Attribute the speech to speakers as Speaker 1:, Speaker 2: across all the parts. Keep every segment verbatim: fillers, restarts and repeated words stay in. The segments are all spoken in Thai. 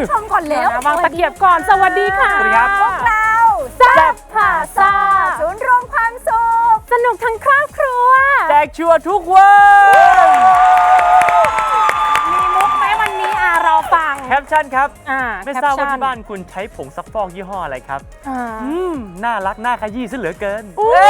Speaker 1: ชมก่อนแล้ว
Speaker 2: วางตะเกียบก่อนสวัสดีค่ะ
Speaker 3: สวัสดีครับ
Speaker 1: พวกเรา
Speaker 2: แซ่บพาซ่า
Speaker 1: ศูนย์รวมความสุข
Speaker 2: สนุกทั้งครอบครัว
Speaker 3: แจกชัวร์ทุกวัน
Speaker 2: มีมุกไหมวันนี้อ่ะเราฟัง
Speaker 3: แคปชั่นครับ
Speaker 2: อ่า
Speaker 3: ไม่ทราบว่า
Speaker 2: แคปชั่น
Speaker 3: ที่บ้านคุณใช้ผงซักฟอกยี่ห้ออะไรครับ
Speaker 2: อ่า
Speaker 3: อืมน่ารักน่าขยี้ซะเหลือเกิน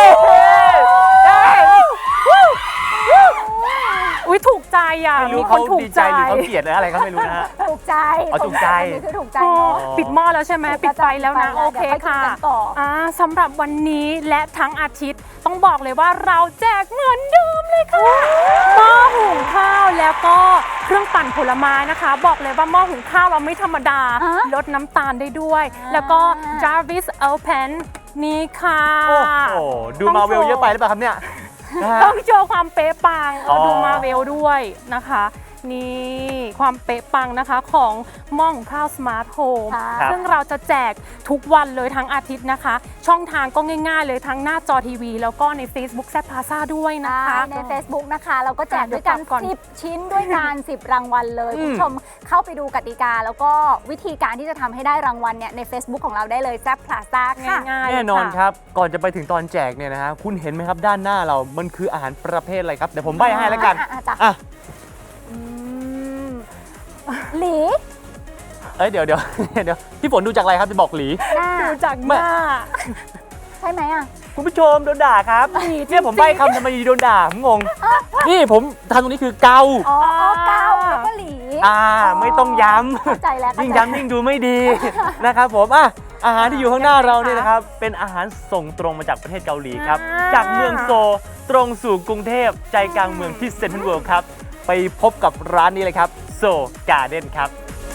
Speaker 2: อุ้ยถูกใจอ่ะ
Speaker 3: ไม่รู้
Speaker 2: มีค
Speaker 3: เขา
Speaker 2: นถูก
Speaker 3: ดี
Speaker 2: ใจ
Speaker 3: ใจหรือเขาเกลียดหรืออะไรก็ไม่รู้นะฮะ
Speaker 1: ถูกใจ
Speaker 3: อ๋อถูกใจ
Speaker 1: อันนี้คือถูกใจ
Speaker 2: อ๋อ
Speaker 1: เนาะ
Speaker 2: ปิดหม้อแล้วใช่ไหม
Speaker 1: ถูก
Speaker 2: ปิดไฟแล้วนะ
Speaker 1: ปิดไฟแล้ว
Speaker 2: โอเค
Speaker 1: เดี๋ยวค่อยกิน
Speaker 2: ค่ะ
Speaker 1: กันต่ออ่
Speaker 2: าสำหรับวันนี้และทั้งอาทิตย์ต้องบอกเลยว่าเราแจกเหมือนเดิมเลยค่ะหม้อหุงข้าวแล้วก็เครื่องปั่นผลไม้นะคะ บอกเลยว่าหม้อหุงข้าวเราไม่ธรรมดา
Speaker 1: อ่ะ
Speaker 2: ลดน้ำตาลได้ด้วย
Speaker 1: อ่า
Speaker 2: แล้วก็ Jarvis Open นี่ค่ะ
Speaker 3: โอ้โหดูมาเวลเยอะไปหรือเปล่าครับเนี่ยนะฮะ
Speaker 2: ต้องโชว์ความเป๊ะปัง
Speaker 3: อ๋อ
Speaker 2: ดูมาเวลด้วยนะคะ นี่ความเป๊ะปังนะคะของหม้อหุงข้าวสมาร์ทโฮม
Speaker 1: ค่ะ
Speaker 2: ซึ่งเราจะแจกทุกวันเลยทั้งอาทิตย์นะคะ ช่องทางก็ง่ายๆเลยทั้งหน้าจอทีวี แล้วก็ใน Facebook แซ่บพาซ่าด้วยนะคะ
Speaker 1: ใน Facebook นะคะ เราก็แจกด้วยกัน
Speaker 2: เดี๋ยวกลับก่อน
Speaker 1: สิบชิ้นด้วยกัน สิบ รางวัลเลย
Speaker 3: อืม
Speaker 1: คุณผู้ชมเข้าไปดูกติกา แล้วก็วิธีการที่จะทำให้ได้รางวัลเนี่ยใน Facebook ของเราได้เลยแซ่บพลาซ่าค่ะ
Speaker 2: ง่ายๆ
Speaker 3: แน่นอน
Speaker 2: เลย
Speaker 3: ค
Speaker 2: ค่ะ
Speaker 3: รับ ก่อนจะไปถึงตอนแจกเนี่ยนะฮะคุณเห็นไหมครับด้านหน้าเรา มันคืออาหารประเภทอะไรครับ เดี๋ยวผมใบ้ให้แล้วกัน
Speaker 1: อ่ะอ่ะจ้ะ
Speaker 3: อ่ะ
Speaker 2: อืม
Speaker 1: หลี
Speaker 3: เอ้ยเดี๋ยวเดี๋ยว เดี๋ยวพี่ฝนดูจากอะไรครับจะบอกหลี
Speaker 1: หน้า
Speaker 2: ดูจากหน้า
Speaker 1: ใช่ไหมอ่ะ
Speaker 3: คุณผู้ชมโดนด่าครับ
Speaker 2: หลีจริงๆ
Speaker 3: เนี่ยผมใบ้คำทำไมโดนด่าผมงง นี่ผมทำตรงนี้คือเกา
Speaker 1: อ๋อเกาแล้วก็หลี
Speaker 3: อ่าไม่ต้องย้ำ
Speaker 1: เข้าใจแล้ว
Speaker 3: ยิ่ง
Speaker 1: เข้าใจ
Speaker 3: ย้ำยิ่งดูไม่ดี นะครับผมอ่ะอาหารที่อยู่ข้างหน้าเราเนี่ยนะครับเป็นอาหารส่งตรงมาจากประเทศเกาหลีครับ
Speaker 2: อ่า
Speaker 3: จากเมืองโซลตรงสู่กรุงเทพใจกลางเมืองที่เซ็นทรัลเวิลด์ครับไปพบกับร้านนี้เลยครับโซการ์เด้นครับ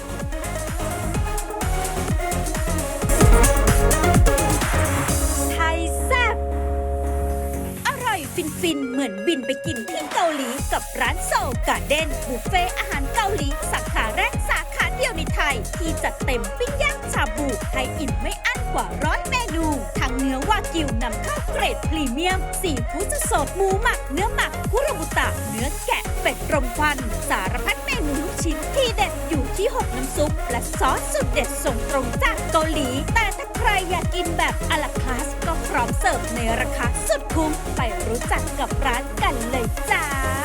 Speaker 4: ไทยแซ่บอร่อยฟินๆ เหมือนบินไปกินที่เกาหลีกับร้านโซลการ์เด้นบุฟเฟ่อาหารเกาหลีสาขาแรกสาขาเดียวในไทย ที่จัดเต็มปิ้งย่างชาบูให้อิ่มไม่อั้นกว่าร้อยเมนูทั้งเนื้อวากิวนำเข้าเกรดพรีเมียมซีฟู้ดสดหมูหมักเนื้อหมักคุโรบุตะเนื้อแกะเป็ดรมควันสารพัดเมนูลูกชิ้นที่เด็ดอยู่ที่หกน้ำซุปและซอสสุดเด็ดส่งตรงจากเกาหลีแต่ถ้าใครอยากกินแบบอะลาคาสก็พร้อมเสิร์ฟในราคาสุดคุ้มไปรู้จักกับร้านกันเลยจ้า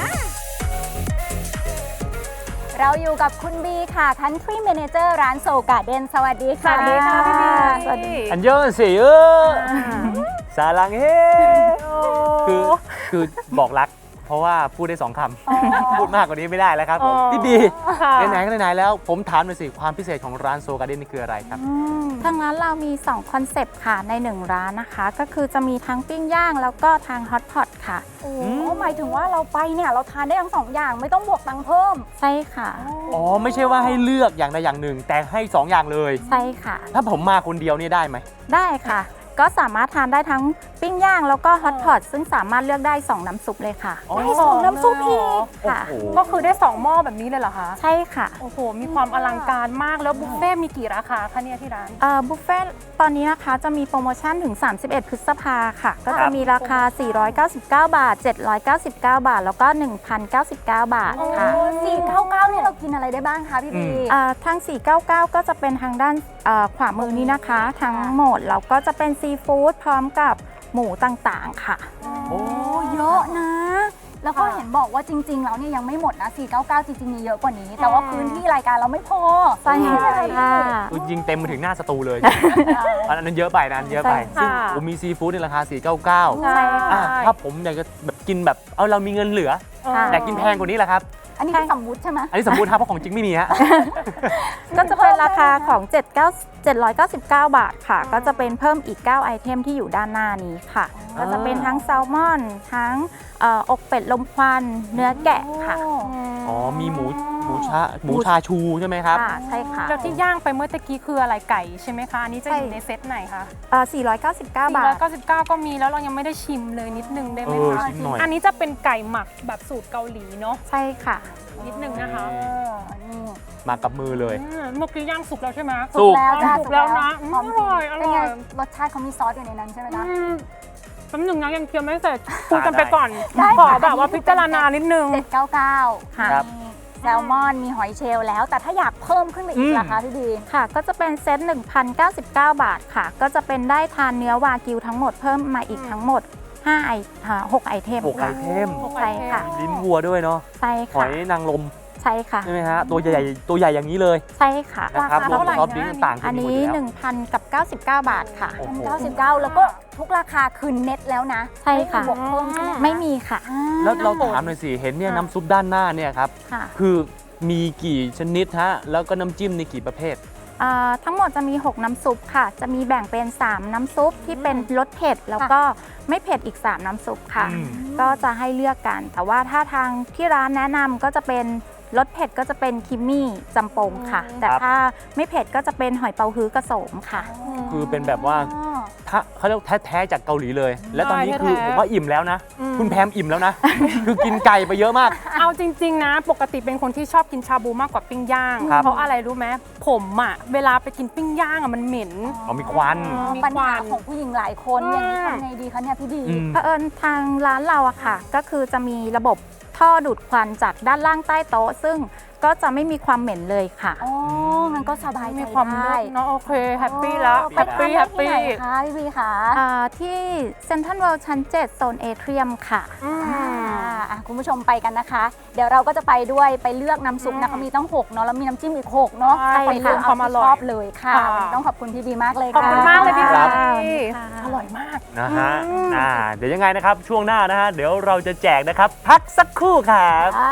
Speaker 1: เราอยู่กับคุณบีค่ะ Country Manager ร้านโซการ์เด้นสวัสดีค่ะ
Speaker 2: สวัสดีค่ะพี่บี
Speaker 1: สวัสดี
Speaker 3: อันยองเสียสาลังเฮคือคือบอกรัก เพราะว่าพูดได้สองคำพูดมากกว่านี้ไม่ได้แล้วครับผม
Speaker 2: อ๋อ
Speaker 3: พี่บี
Speaker 2: ค่ะ
Speaker 3: ไหนๆก็ไหนๆแล้วผมถามหน่อยสิความพิเศษของร้านโซการ์เด้นนี่คืออะไรครับ
Speaker 5: ทางร้านเรามีสองคอนเซปต์ค่ะในหนึ่งร้านนะคะ ก็คือจะมีทั้งปิ้งย่างแล้วก็ทางฮอตพอตค่ะ
Speaker 1: โอ้หมายถึงว่าเราไปเนี่ยเราทานได้ทั้งสองอย่างไม่ต้องบวกตังค์เพิ่ม
Speaker 5: ใช่ค่ะ
Speaker 3: อ๋อไม่ใช่ว่าให้เลือกอย่างใดอย่างหนึ่ง แต่ให้สองอย่างเลย
Speaker 5: ใช่ค่ะ
Speaker 3: ถ้าผมมาคนเดียวนี่ได้ไหม
Speaker 5: ได้ค่ะ ก็สามารถทานได้ทั้งปิ้งย่างแล้วก็ฮอตพอตซึ่งสามารถเลือกได้สองน้ำซุปเลยค่ะ
Speaker 3: อ๋อ
Speaker 1: ได้สองน้ำซุปอีก
Speaker 5: ค่ะ
Speaker 3: โอ้โห
Speaker 2: ก็คือได้สองหม้อแบบนี้เลยเหรอคะ
Speaker 5: ใช่ค่ะ
Speaker 2: โอ้โห มีความอลังการมากแล้วบุฟเฟ่ต์มีกี่ราคาคะเนี่ยที่ร้าน
Speaker 5: เอ่อบุฟเฟ่ต์ตอนนี้นะคะจะมีโปรโมชั่นถึง สามสิบเอ็ด พฤษภาค่ะ ก็จะมีราคา สี่ร้อยเก้าสิบเก้า บาท เจ็ดร้อยเก้าสิบเก้า บาท แล้วก็ หนึ่งพันเก้าสิบเก้า บาทค่ะ
Speaker 1: สี่เก้าเก้าเนี่ยเรากินอะไรได้บ้างคะพี่บี
Speaker 5: อ่าทาง สี่เก้าเก้า ก็จะเป็นทางด้านเอ่อขวามือนี้นะคะ ทั้งหมดแล้วก็จะเป็นซีฟู้ดพร้อมกับหมูต่างๆค่ะ
Speaker 3: โอ้
Speaker 1: โอ้เยอะนะ แล้วก็
Speaker 2: ค่ะ
Speaker 1: เห็นบอกว่าจริง ๆ แล้วเนี่ยยังไม่หมดนะ สี่เก้าเก้า จริง ๆ มีเยอะกว่านี้ แต่ว่าพื้นที่รายการเราไม่พอ
Speaker 5: ใช่ค่ะ
Speaker 3: คือยิงเต็มมาถึงหน้าสตูเลย อันนั้นเยอะไปนะอันนั้นเยอะไป
Speaker 2: ใช่
Speaker 3: ซึ่ง
Speaker 2: ค่ะ
Speaker 3: ผมมีซีฟู้ดในราคา สี่เก้าเก้า
Speaker 2: ใช่
Speaker 3: อ่ะถ้าผมอยากจะแบบกินแบบเอาเรามีเงินเหลือ
Speaker 5: ค่ะ
Speaker 3: อยากกินแพงกว่านี้แหละครับ
Speaker 1: อันนี้คือสมมุติใช่ไหม
Speaker 3: อันนี้สมมติครับเพราะของจริงไม่มีฮะ
Speaker 5: ก็จะเป็นราคาของเจ็ดร้อยเก้าสิบเก้า บาทค่ะ ก็จะเป็นเพิ่มอีก เก้า ไอเทมที่อยู่ด้านหน้านี้ค่ะ
Speaker 3: อ๋อ
Speaker 5: ก็จะเป็นทั้งแซลมอน ทั้งเอ่ออกเป็ดลมควัน เนื้อแกะค่ะ
Speaker 3: อ๋อมีหมูหมูชาหมูชาชูใช่ไหมครับ
Speaker 5: ค่ะ ใช่ค่ะ
Speaker 2: แล้วที่ย่างไปเมื่อตะกี้คืออะไรไก่ใช่ไหมคะ อันนี้จะอยู่
Speaker 5: ใช่
Speaker 2: ในเซตไหนคะ
Speaker 5: เอ่อสี่ร้อยเก้าสิบเก้า บาท
Speaker 2: สี่ร้อยเก้าสิบเก้าก็มีแล้วเรายังไม่ได้ชิมเลยนิดนึงได้ไหม
Speaker 3: เออ
Speaker 2: คะ
Speaker 3: ชิมหน่อย
Speaker 2: อันนี้จะเป็นไก่หมักแบบสูตรเกาหลีเนาะ
Speaker 5: ใช่ค่ะ
Speaker 2: นิดนึงนะคะ
Speaker 1: เออนี่
Speaker 3: มากับมือเลย
Speaker 2: อืมเมื่อกี้ย่างสุกแล้วใช่ไหม
Speaker 3: สุก
Speaker 1: แล้วจ้ะ
Speaker 2: สุกแล้วนะ
Speaker 1: หอม
Speaker 2: อร่อยอร่อย
Speaker 1: เป็นไงรสชาติเขามีซอสอยู่ในนั้นใช่ไหม
Speaker 2: อื
Speaker 1: คะ
Speaker 2: มแป๊บหนึงนะยังเคี้ยวไม่เสร็จพูดกันไปก่อน
Speaker 1: ได้
Speaker 2: ขอ
Speaker 1: ค่ะ
Speaker 2: แบบว่าพิจารณานิดนึง
Speaker 1: เจ็ดเก้าเก้า
Speaker 5: ค่ะ
Speaker 3: ครับ
Speaker 1: แซลมอนมีหอยเชลล์แล้ว แต่ถ้าอยากเพิ่มขึ้นไปอี
Speaker 3: อื
Speaker 1: ก
Speaker 3: ม
Speaker 1: ล่ะคะพี่บี
Speaker 5: ค่ะ ก็จะเป็นเซตหนึ่งพันเก้าสิบเก้า บาทค่ะ ก็จะเป็นได้ทานเนื้อวากิวทั้งหมดเพิ่มมาอีกทั้งหมดห้าไออ่าหกไอเทม
Speaker 3: หกไอเทม
Speaker 5: ใช่ค่ะ
Speaker 3: ลิ้นวัวด้วยเนาะ
Speaker 5: ใช่
Speaker 3: ห
Speaker 5: ค่ะ
Speaker 3: อยนางรม
Speaker 5: ใช่ค่ะ
Speaker 3: ใช่ไหมฮะตัวใหญ่ๆตัวใหญ่อย่างนี้เลย
Speaker 5: ใช่ค่ะ
Speaker 3: นะครับ
Speaker 2: ราคาเท่าไหร่
Speaker 3: รอบ
Speaker 2: นะ
Speaker 3: นี้ต่างกั
Speaker 5: อั
Speaker 3: น
Speaker 5: น
Speaker 3: หมด
Speaker 5: นี้
Speaker 3: อยู่แล้ว
Speaker 5: หนึ่งพันกับเก้าสิบเก้า บาทค่ะ
Speaker 3: โอ้โห
Speaker 1: เก้าสิบเก้าแล้วก็ทุกราคาคือเน็ตแล้วนะ
Speaker 5: ใช่ค่ะ
Speaker 1: ไม่มีบวกเพิ่มใช่ไหมคะ
Speaker 5: ไม่มีค่ะ
Speaker 1: อ่า
Speaker 3: แล้วเราถามหน่อยสิ เห็นเนี่ยน้ำซุปด้านหน้าเนี่ยครับ
Speaker 5: ค่ะ
Speaker 3: คือมีกี่ชนิดฮะ แล้วก็น้ำจิ้มในกี่ประเภท
Speaker 5: อ่าทั้งหมดจะมี หก น้ำซุปค่ะ จะมีแบ่งเป็น สาม น้ำซุปที่เป็นรสเผ็ด แล้วก็ไม่เผ็ดอีก สาม น้ำซุปค่ะ
Speaker 3: อืม
Speaker 5: ก็จะให้เลือกกัน แต่ว่าถ้าทางที่ร้านแนะนำก็จะเป็นรสเผ็ดก็จะเป็นคิมมี่จำปงค่ะ แต่ถ้าไม่เผ็ดก็จะเป็นหอยเปาฮื้อกระโสมค่ะ
Speaker 3: คือเป็นแบบว่า
Speaker 1: อ๋อ
Speaker 3: ถ้าเขาเรียกแท้ๆจากเกาหลีเลย และตอนนี้
Speaker 2: ใช่
Speaker 3: คือ
Speaker 2: แท้ๆ
Speaker 3: ผมว่าอิ่มแล้วนะ
Speaker 2: อืม
Speaker 3: คุณแพมอิ่มแล้วนะ คือกินไก่ไปเยอะมาก
Speaker 2: เอาจริง ๆ นะ ปกติเป็นคนที่ชอบกินชาบูมากกว่าปิ้งย่าง
Speaker 3: ครับ
Speaker 2: เพราะอะไรรู้ไหมผมอะเวลาไปกินปิ้งย่างอะมันเหม็น
Speaker 3: เอามีควัน
Speaker 2: อ๋อ มี
Speaker 1: ปัญหา
Speaker 2: ควัน
Speaker 1: ของผู้หญิงหลายคน
Speaker 2: อืม
Speaker 1: อย่างนี้ทำไงดีคะเนี่ยพี่บี
Speaker 3: อืม
Speaker 5: เผอิญทางร้านเราอะค่ะ ก็คือจะมีระบบท่อดูดควันจากด้านล่างใต้โต๊ะ ซึ่งก็จะไม่มีความเหม็นเลยค่ะ
Speaker 1: อ๋อมันก็สบายใจ
Speaker 2: มีความ
Speaker 1: ได้
Speaker 2: เลิศเนาะโอเคแฮปปี้แล้ว
Speaker 1: ไป
Speaker 2: แฮปปี้
Speaker 1: ทาน
Speaker 2: แฮ
Speaker 1: ได้
Speaker 2: ป
Speaker 1: ที่
Speaker 2: ปี้
Speaker 1: ไหนคะพี่บีคะ
Speaker 5: อ่าที่เซ็นทรัลเวิลด์ชั้น เจ็ด โซนเอเทียมค่ะ
Speaker 2: อืม
Speaker 1: อ่าอ่ะคุณผู้ชมไปกันนะคะ เดี๋ยวเราก็จะไปด้วยไปเลือกน้ำซุปนะเขามีตั้งหกเนาะแล้วมีน้ำจิ้มอีกหกเนาะ
Speaker 2: ใช่
Speaker 1: ไปเลือก
Speaker 2: ค่ะ
Speaker 1: เอาที่ชอบเลยค่ะ
Speaker 2: ค่ะ
Speaker 1: วันนี้ต้องขอบคุณพี่บีมากเลย
Speaker 2: ขอบ
Speaker 1: ค่ะ
Speaker 2: คุณมากเลยพี่
Speaker 3: ครับ
Speaker 2: บี
Speaker 5: ค่ะ
Speaker 2: อร่อยมาก
Speaker 3: นะฮะอ่าเดี๋ยวยังไงนะครับ ช่วงหน้านะฮะ เดี๋ยวเราจะแจกนะครับ พักสักครู่ครับ
Speaker 1: อ่า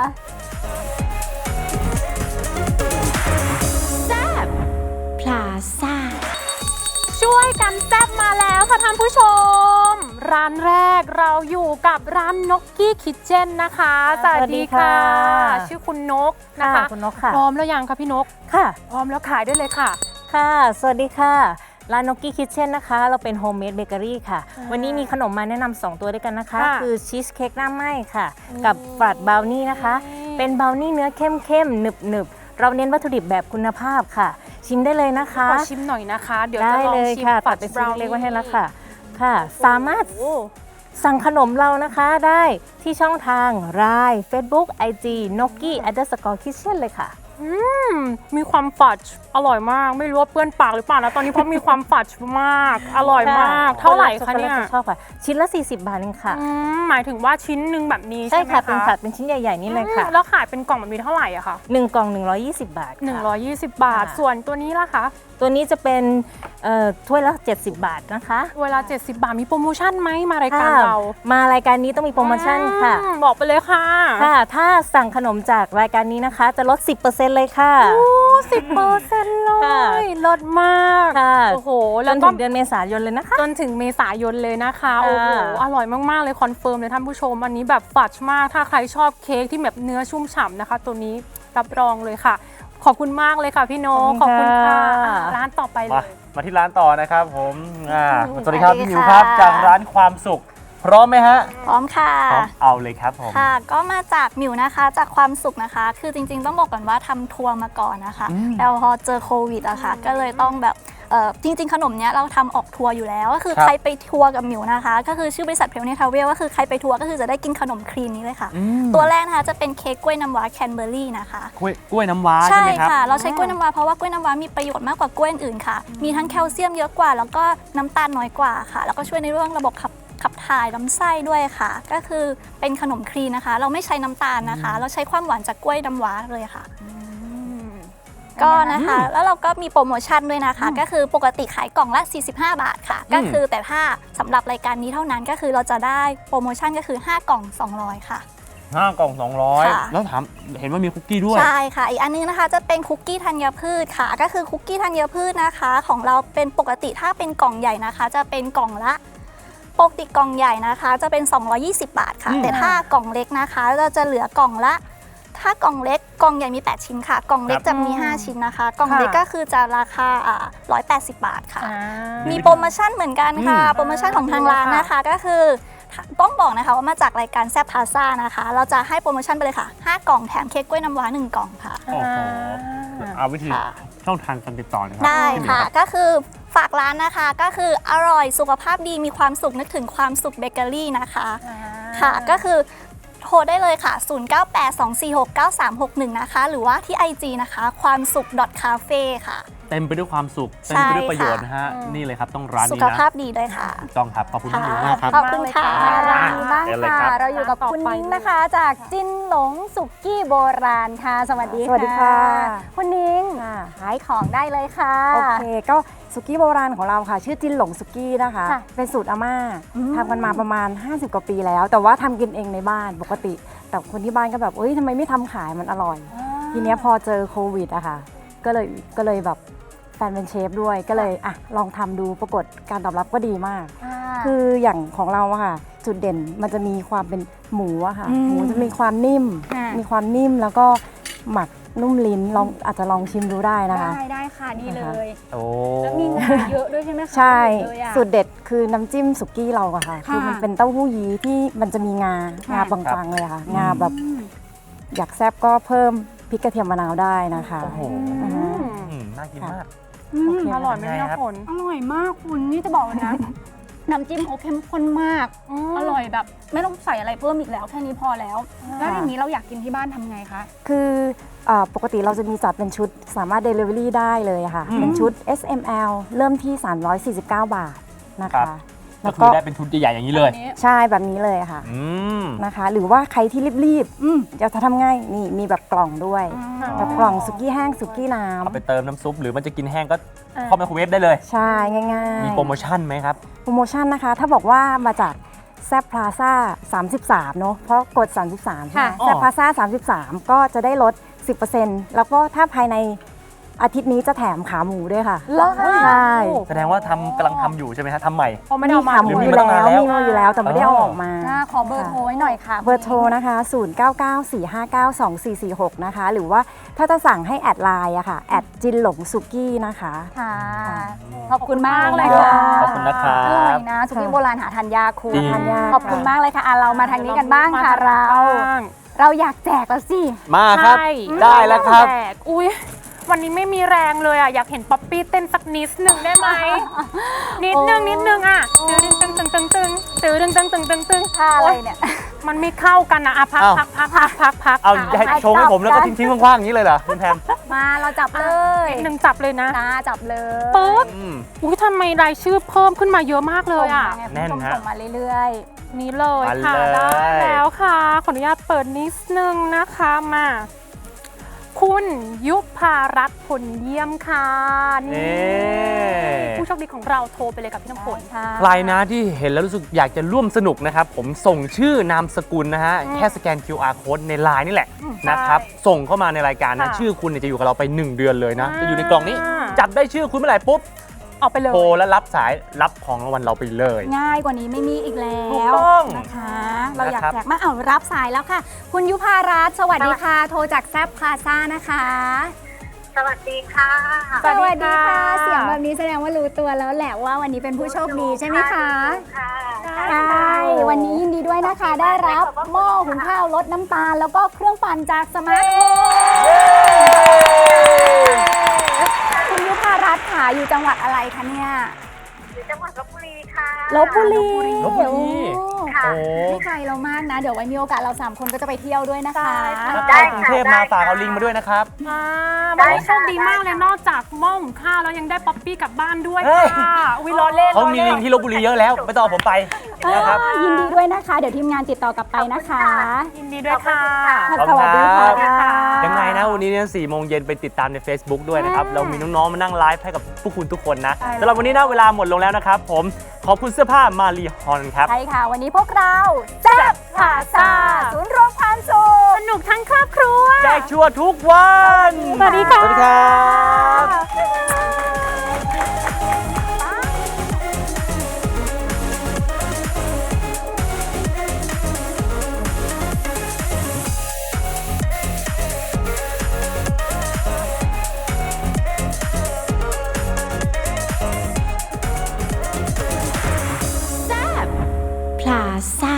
Speaker 4: พลาซ่า
Speaker 2: ช่วยกันแซ่บมาแล้วค่ะท่านผู้ชม ร้านแรกเราอยู่กับร้านนกกี้คิทเช่นนะคะ สวัสดีค่ะ
Speaker 6: สวัสดีค่ะ
Speaker 2: ชื่อคุณนกนะคะ
Speaker 6: คุณนกค่ะ
Speaker 2: พร้อมแล้วยังคะพี่นก
Speaker 6: ค่ะ
Speaker 2: พร้อมแล้วขายได้เลยค่ะ
Speaker 6: ค่ะ สวัสดีค่ะ ร้านนกกี้คิทเช่นนะคะ เราเป็นโฮมเมดเบเกอรี่ค่ะ
Speaker 2: อ่า
Speaker 6: วันนี้มีขนมมาแนะนำสองตัวด้วยกันนะคะ
Speaker 2: ค่ะ
Speaker 6: คือชีสเค้กหน้าไหม้ค่ะ กับฟรัดบราวนี่นะคะ
Speaker 2: นี่
Speaker 6: เป็นบราวนี่เนื้อเข้มๆ หนึบๆ เราเน้นวัตถุดิบแบบคุณภาพค่ะ ชิมได้เลยนะคะ
Speaker 2: ขอชิมหน่อยนะคะ เดี๋ยว
Speaker 6: ได้
Speaker 2: จะลอง
Speaker 6: เลย
Speaker 2: ชิม
Speaker 6: ค่ะ
Speaker 2: ฝั
Speaker 6: ตั
Speaker 2: ด
Speaker 6: ดเป็น
Speaker 2: บ
Speaker 6: ชิ้
Speaker 2: ราน ว
Speaker 6: เล็
Speaker 2: นี่
Speaker 6: กๆไว้ให้แล้วค่ะ ค่ะ สามารถ
Speaker 2: โอ้
Speaker 6: สั่งขนมเรานะคะได้ที่ช่องทาง ไลน์ Facebook ไอ จี นกกี้ underscore kitchen เลยค่ะ
Speaker 2: อืมมีความฝัดอร่อยมาก ไม่รู้ว่าเปื้อนปากหรือเปล่านะตอนนี้เพราะมีความฝัดมาก อร่อยมาก เท่าไหร่คะเนี่ย
Speaker 6: ชอบค่ะ ชิ้นละ สี่สิบบาทเองค่ะ
Speaker 2: อืมหมายถึงว่าชิ้นหนึ่งแบบนี้
Speaker 6: ใช่
Speaker 2: ใช่ไหม
Speaker 6: ค่ะ
Speaker 2: คะ
Speaker 6: เป็นฝัดเป็นชิ้นใหญ่ ๆ นี่เลยค่ะ
Speaker 2: อืมแล้วขายเป็นกล่องแบบนี้เท่าไหร่อะคะ
Speaker 6: หนึ่งกล่อง หนึ่งร้อยยี่สิบบาทค่ะ
Speaker 2: หนึ่งร้อยยี่สิบบาท
Speaker 6: ค่ะ
Speaker 2: ส่วนตัวนี้ล่ะคะ
Speaker 6: ตัวนี้จะเป็นเอ่อถ้วยละ เจ็ดสิบบาทนะคะ
Speaker 2: เวลา เจ็ดสิบบาทมีโปรโมชั่นไหมมารายการเรา
Speaker 6: มารายการนี้ต้องมีโปรโมชั่นค่ะ
Speaker 2: อืมบอกไปเลยค่ะ
Speaker 6: ค่ะ ถ้าสั่งขนมจากรายการนี้นะคะ จะลด สิบเปอร์เซ็นต์ เลยค่ะ
Speaker 2: สิบเปอร์เซ็นต์เล
Speaker 6: ค่ะ
Speaker 2: ยลดมาก
Speaker 6: ค่ะ
Speaker 2: โอ้โห
Speaker 6: จ
Speaker 2: แล้ว
Speaker 6: น
Speaker 2: ก็
Speaker 6: ถึงเดือนเมษายนเลยนะคะ
Speaker 2: จนถึงเมษายนเลยนะคะ
Speaker 6: ค่ะ
Speaker 2: โอ้โห อร่อยมาก ๆ เลยคอนเฟิร์มเลยท่านผู้ชม อันนี้แบบฝัดมาก ถ้าใครชอบเค้กที่แบบเนื้อชุ่มฉ่ำนะคะ ตัวนี้รับรองเลยค่ะ ขอบคุณมากเลยค่ะพี่โนกขอบคุณค่ะอ่ะ ร้านต่อไปเล
Speaker 3: มาย มาที่ร้านต่อนะครับผมอ่าสวัสดีครับ พี่หมิวครับ จากร้านความสุข พร้อมไหมฮะ
Speaker 1: พร้อมค่ะ
Speaker 3: พร้อมเอาเลยครับผม
Speaker 1: ค่ะ ก็มาจากหมิวนะคะจากความสุขนะคะ คือจริงๆต้องบอกก่อนว่าทำทัวร์มาก่อนนะคะ
Speaker 3: อืม
Speaker 1: แล้วพอเจอโควิดอะค่ะ ก็เลยต้องแบบเอ่อจริงๆ ขนมเนี้ยเราทำออกทัวร์อยู่แล้ว ก็คือ
Speaker 3: ครับ
Speaker 1: ใครไปทัวร์กับหมิวนะคะ ก็คือชื่อบริษัทเพลเนทราเวลก็คือใครไปทัวร์ก็คือจะได้กินขนมครีมนี้เลยค่ะ
Speaker 3: อืม
Speaker 1: ตัวแรกนะคะจะเป็นเค้กกล้วยน้ำว้าแคนเบอร์รี่นะคะ
Speaker 3: กล้วยกล้วยน้ำว้าใช่
Speaker 1: ใช่
Speaker 3: ไหมครับ
Speaker 1: ค่ะ เราใช้กล้วยน้ำว้าเพราะว่ากล้วยน้ำว้ามีประโยชน์มากกว่ากล้วยอื่นค่ะ มีทั้งแคลเซียมเยอะกว่า แล้วก็น้ำตาลน้อยกว่าค่ะ แล้วก็ช่วยในเรื่องระบบขับขับถ่ายลำไส้ด้วยค่ะ ก็คือเป็นขนมครีมนะคะ เราไม่ใช้น้ำตาลนะคะ เราใช้ความหวานจากกล้วยน้ำว้าเลยค่ะ ก็นะคะ แล้วเราก็มีโปรโมชั่นด้วยนะคะ ก็คือปกติขายกล่องละ สี่สิบห้า บาทค่ะ ก็คือแต่ถ้าสำหรับรายการนี้เท่านั้นก็คือเราจะได้โปรโมชั่นก็คือ ห้ากล่อง สองร้อย ค่ะ
Speaker 3: ห้ากล่องสองร้อย
Speaker 1: ค่ะ
Speaker 3: แล้วถามเห็นว่ามีคุกกี้ด้วย
Speaker 1: ใช่ค่ะ อีกอันนึงนะคะจะเป็นคุกกี้ธัญพืชค่ะ ก็คือคุกกี้ธัญพืชนะคะ ของเราเป็นปกติถ้าเป็นกล่องใหญ่นะคะ จะเป็นกล่องละปกติกล่องใหญ่นะคะ จะเป็น สองร้อยยี่สิบบาทค่ะ
Speaker 3: อืม
Speaker 1: แต่ถ้ากล่องเล็กนะคะเราจะเหลือกล่องละ ถ้ากล่องเล็กกล่องใหญ่มี แปด ชิ้นค่ะ กล่องเล็กจะมี ห้า ชิ้นนะคะ กล่องเล็กก็คือจะราคาอ่าหนึ่งร้อยแปดสิบบาทค่ะ
Speaker 2: อ่า
Speaker 1: มีโปรโมชั่นเหมือนกันค่ะ
Speaker 3: อืม
Speaker 1: โปรโมชั่นของทางร้านนะคะ ก็คือต้องบอกนะคะว่ามาจากรายการแซ่บพาซ่านะคะ เราจะให้โปรโมชั่นไปเลยค่ะ ห้ากล่องแถมเค้กกล้วยน้ำว้าหนึ่งกล่องค่ะ
Speaker 3: โอ้โหเอาวิธี
Speaker 1: ค่ะ
Speaker 3: ช่องทางการติดต่อหนะครั
Speaker 1: ได้
Speaker 3: พี่หมิว
Speaker 1: ค่ะ
Speaker 3: รับ
Speaker 1: ก็คือฝากร้านนะคะ ก็คืออร่อยสุขภาพดีมีความสุขนึกถึงความสุขเบเกอรี่นะคะ ค่ะ ก็คือโทรได้เลยค่ะ ศูนย์ เก้า แปด สอง สี่ หก เก้า สาม หก หนึ่ง นะคะ หรือว่าที่ ไอ จี นะคะ ความสุข .cafe ค่ะ
Speaker 3: เต็มไปด้วยความสุข
Speaker 1: ใช่
Speaker 3: เต็มไปด้วยประโยชน์นะฮะ
Speaker 2: ค่ะ
Speaker 3: นี่เลยครับต้องร้าน
Speaker 1: สุ
Speaker 3: นี้
Speaker 1: ข
Speaker 3: นะ
Speaker 1: ภาพดีด้วยค่ะ
Speaker 3: ถูกต้องครับ ขอบคุณน้องหนูมากครับ
Speaker 1: ขอบคุณค่ะ
Speaker 7: ร้านนี้บ้าง
Speaker 3: เชิญเลย
Speaker 7: ค่ะ
Speaker 3: ครับ
Speaker 7: เราอยู่กับคุณนิ้งนะคะ จากจิ้นหลงสุกี้โบราณค่ะ สวัสดี
Speaker 5: สวัสดีค่ะ
Speaker 7: คุณนิ้ง
Speaker 5: ค่ะ
Speaker 7: ขายของได้เลยค่ะ
Speaker 5: โอเคก็สุกี้โบราณของเราค่ะ ชื่อจินหลงสุกี้นะคะ
Speaker 7: ค่ะ
Speaker 5: เป็นสูตรอาม่า
Speaker 7: อืม
Speaker 5: ทำกันมาประมาณ ห้าสิบ กว่าปีแล้ว แต่ว่าทำกินเองในบ้านปกติ แต่คนที่บ้านก็แบบเอ้ยทำไมไม่ทำขายมันอร่อย ทีเนี้ยพอเจอโควิดอะค่ะ ก็เลยก็เลยแบบแฟนเป็นเชฟด้วยก็เลยอ่ะลองทำดูปรากฏการตอบรับก็ดีมาก คืออย่างของเราอะค่ะ จุดเด่นมันจะมีความเป็นหมูอะค่ะ
Speaker 7: อืม
Speaker 5: หมูจะมีความนิ่ม
Speaker 7: ค่ะ
Speaker 5: มีความนิ่มแล้วก็หมักนุ่มลิ้นลองอาจจะลองชิมดูได้นะคะ
Speaker 7: ได้ได้ค่ะนี่เลย
Speaker 3: โอ้
Speaker 7: แล้วมีงาเยอะด้วยใช่ไหมคะ
Speaker 5: ใช่
Speaker 7: เยอะเลยอะ
Speaker 5: สูตรเด็ดคือน้ำจิ้มสุกี้เราอะค่ะ
Speaker 7: ค่ะ
Speaker 5: คือมันเป็นเต้าหู้ยี้ที่มันจะมีงา
Speaker 7: ค่ะ
Speaker 5: งาบางๆเลยอะค่ะ งาแบบอยากแซ่บก็เพิ่มพริกกระเทียมมะนาวได้นะคะ
Speaker 3: โอ้โห
Speaker 5: อือฮึ
Speaker 3: อืมน่ากินมาก
Speaker 7: อืม
Speaker 5: โอเค
Speaker 2: อร่อยไหมพี่น้ำฝน
Speaker 7: อร่อยมากคุณนี่จะบอกเลยนะ น้ำจิ้มเขาเข้มข้นมาก อร่อยแบบ ไม่ต้องใส่อะไรเพิ่มอีกแล้วแค่นี้พอแล้ว แล้วอย่างนี้เราอยากกินที่บ้านทำไงคะ
Speaker 5: คือเอ่อปกติเราจะมีจัดเป็นชุดสามารถ Delivery ได้เลยอะค่ะ
Speaker 3: อืม
Speaker 5: เป็นชุด เอส เอ็ม แอล เริ่มที่ สามร้อยสี่สิบเก้า บาทนะ
Speaker 3: ครั
Speaker 5: คะ
Speaker 3: บ
Speaker 5: แล้
Speaker 3: ก็
Speaker 5: ว
Speaker 3: คื
Speaker 5: ก็
Speaker 3: อได้เป็นชุดใหญ่ๆอย่างนี้เลย
Speaker 5: ใช่แบบนี้เลยค่ะ
Speaker 3: อืม
Speaker 5: นะคะ หรือว่าใครที่รีบ
Speaker 7: อืม
Speaker 5: ๆจะทำง่ายนี่มีแบบกล่องด้วย แบบกล่องสุกี้แห้งสุกี้น้
Speaker 3: เอาไปเติมน้ำซุปหรือมันจะกินแห้งก็เข้าไมโครเวฟได้เลย
Speaker 5: ำใช่ง่ายๆ
Speaker 3: มีโปรโมชั่นไหมครับ
Speaker 5: โปรโมชั่นนะคะ ถ้าบอกว่ามาจากแซบพลาซ่าสามสิบสามเนาะเพราะกด สามสิบสามใช่ไหม
Speaker 7: ค่ะ
Speaker 5: แซบพลาซ่าสามสิบสามก็จะได้ลด สิบเปอร์เซ็นต์ แล้วก็ถ้าภายในอาทิตย์นี้จะแถมขาหมูด้วยค่ะ
Speaker 7: เหรอคะ
Speaker 5: ใช่
Speaker 3: แสดงว่าทำกำลังทำอยู่ใช่ไหมฮะทำใหม่
Speaker 2: เพราะไม่ได้เอามา
Speaker 5: ขาหมู
Speaker 3: หรือมี
Speaker 5: อยู่
Speaker 3: มาตั้ง
Speaker 5: แล้
Speaker 3: นานแล้ว
Speaker 5: วมีมาอยู่แล้วแต่ไม่ได้เอาออกมา
Speaker 7: อ่าขอเบอร์โทรไว้หน่อยค่ะ
Speaker 5: เบอร์โทรนะคะ ศูนย์ เก้า เก้า สี่ ห้า เก้า สอง สี่ สี่ หก นะคะ หรือว่าถ้าจะสั่งให้แอดไลน์อะค่ะ แอดจินหลงสุกี้นะคะ
Speaker 7: ค่ะ ขอบคุณมากเลย
Speaker 5: ขอบ
Speaker 7: ค่ะ
Speaker 5: คุณ
Speaker 3: ขอบคุณนะครับ
Speaker 7: อร่อยนะสุกี้โบราณหาทานยากคุณ
Speaker 3: จริง
Speaker 5: ทานยาก
Speaker 7: ขอบคุณมากเลยค่ะอ่ะเรามาทางนี้กันบ้างค่ะเรา
Speaker 2: บ้าง
Speaker 7: เราอยากแจกแล้วสิ
Speaker 3: มาครับ
Speaker 2: ใช่
Speaker 3: ได้แล้วครับ
Speaker 2: แจกอุ้ยวันนี้ไม่มีแรงเลยอ่ะ อยากเห็นป๊อปปี้เต้นสักนิดหนึ่งได้ไหม นิดนึงนิดนึงอ่ะตึงตึงตึงตึงตึงตึงตึงตึงตึงตึง
Speaker 7: ท่าอะไรเนี่ย
Speaker 2: มันไม่เข้ากันนะอ่ะพัก
Speaker 3: อ้าว
Speaker 2: พักพักพักพักพัก
Speaker 3: เอาให้ชงให้ผมแล้วก็ทิ้งๆว่างๆอย่างนี้เลยเหรอคุณแพม
Speaker 7: มาเราจับเลย
Speaker 2: หนึ่งจับเลยนะ
Speaker 7: จ้าจับเลย
Speaker 2: ปึ๊บ
Speaker 3: อืม
Speaker 2: อุ้ยทำไมรายชื่อเพิ่มขึ้นมาเยอะมากเลยอ่ะ
Speaker 7: ส่งมาไง
Speaker 3: แน่น
Speaker 7: คุณผู้ชม
Speaker 3: ฮะ
Speaker 7: ส่งมาเรื่อย
Speaker 2: นี่เลย
Speaker 3: มา
Speaker 2: ค่ะ
Speaker 3: เลย
Speaker 2: ได้แล้วค่ะ ขออนุญาตเปิดนิดนึงนะคะมา คุณยุพารัตน์ผลเยี่ยมค่ะนี่
Speaker 3: นี่
Speaker 2: ผู้โชคดีของเราโทรไปเลยกับพี่น้ำฝน
Speaker 7: ๆค่ะ
Speaker 3: ใครนะที่เห็นแล้วรู้สึกอยากจะร่วมสนุกนะครับ ผมส่งชื่อนามสกุลนะฮะ
Speaker 2: อืม
Speaker 3: แค่สแกน คิว อาร์ Code ในไลน์นี่แหละ
Speaker 2: อืม
Speaker 3: นะครับ
Speaker 2: ใช่
Speaker 3: ส่งเข้ามาในรายการนะ
Speaker 2: ค่ะ
Speaker 3: ชื่อคุณเนี่ยจะอยู่กับเราไป หนึ่ง เดือนเลยนะ
Speaker 2: อ่า
Speaker 3: จะอยู่ในกล่องนี้ จับได้ชื่อคุณเมื่อไหร่ปุ๊บ
Speaker 2: ออกไปเลย
Speaker 3: โทรแล้วรับสายรับของรางวัลเราไปเลย
Speaker 7: ง่ายกว่านี้ไม่มีอีกแล้
Speaker 3: ถูก
Speaker 7: ว
Speaker 3: ต้อง
Speaker 7: นะคะ เราอยาก
Speaker 3: นะครับ
Speaker 7: แจกมากเอารับสายแล้วค่ะ คุณยุพารัตน์สวัสดีค่ะ โทรจากแซบพลาซ่านะคะ
Speaker 8: สวัสดีค่ะ
Speaker 2: สวัสดีค่ะ
Speaker 7: เสียงแบบนี้แสดงว่ารู้ตัวแล้วแหละว่าวันนี้เป็นผู้โชคดีใช่ไหมคะ
Speaker 8: ค่ะ
Speaker 7: ใช่วันนี้ยินดีด้วยนะคะ ได้รับหม้อหุงข้าวลดน้ำตาล แล้วก็เครื่องปั่นจากสมาร์ทโฮมคุณยุพารัตน์ค่ะอยู่จังหวัดอะไรคะเนี่ย
Speaker 8: อยู่จังหวัดลบบุรีค่ะ
Speaker 7: ลบบุรี
Speaker 3: ลพบุรี
Speaker 7: โอ้
Speaker 8: ค่ะ
Speaker 3: โอ้
Speaker 7: ไม่ไกลเรามากนะ เดี๋ยวไว้มีโอกาสเราสามคนก็จะไปเที่ยวด้วยนะคะ
Speaker 3: ถ้า
Speaker 8: ได้
Speaker 3: ไปกรุง
Speaker 8: ค่ะ
Speaker 3: เทพมา
Speaker 8: ได้
Speaker 3: ฝากเอา
Speaker 8: ค่ะ
Speaker 3: ลิงก์มาด้วยนะครับ
Speaker 2: อ่า
Speaker 8: ได้
Speaker 2: วันนี้
Speaker 8: ค่ะ
Speaker 2: โชคดีมากเลย
Speaker 8: ได้ค่ะ
Speaker 2: นอกจากหม้อหุงข้าวแล้วยังได้ป๊อปปี้กลับบ้านด้วย
Speaker 3: เฮ้ย
Speaker 2: ค่ะวิล้อเล่น
Speaker 3: เขามี
Speaker 2: ล้อ
Speaker 3: ลิ
Speaker 2: ล่
Speaker 3: ง
Speaker 2: น
Speaker 3: ก์ที่ลบบุรีเยอะแล้ว ไม่ต้องเอาผมไปนะครับ
Speaker 7: ยินดีด้วยนะคะ เดี๋ยวทีมงานติดต่อกลับไปนะคะ
Speaker 2: ยินดีด้วยค่ะ
Speaker 3: ขอบคุณ
Speaker 7: สวัสดี
Speaker 3: ครั
Speaker 7: ค่ะ
Speaker 3: บ ยังไงนะวันนี้เนี่ยสี่โมงเย็นไปติดตามใน Facebook ด้วยนะครับ เรามีน้องๆมานั่งไลฟ์ให้กับพวกคุณทุกคนนะสำหรับวันนี้นะเวลาหมดลงแล้วนะครับ ผมขอบคุณเสื้อผ้ามารีฮอนครับ
Speaker 7: ใช่ค่ะ วันนี้พวกเราแซ่บพาซาศูนย์รวมความสุข
Speaker 2: สนุกทั้งครอบครัว
Speaker 3: แจกชัวร์ทุกวัน
Speaker 2: สวัสดีค่ะ
Speaker 3: สวัสดีครับ
Speaker 4: พลาซ่า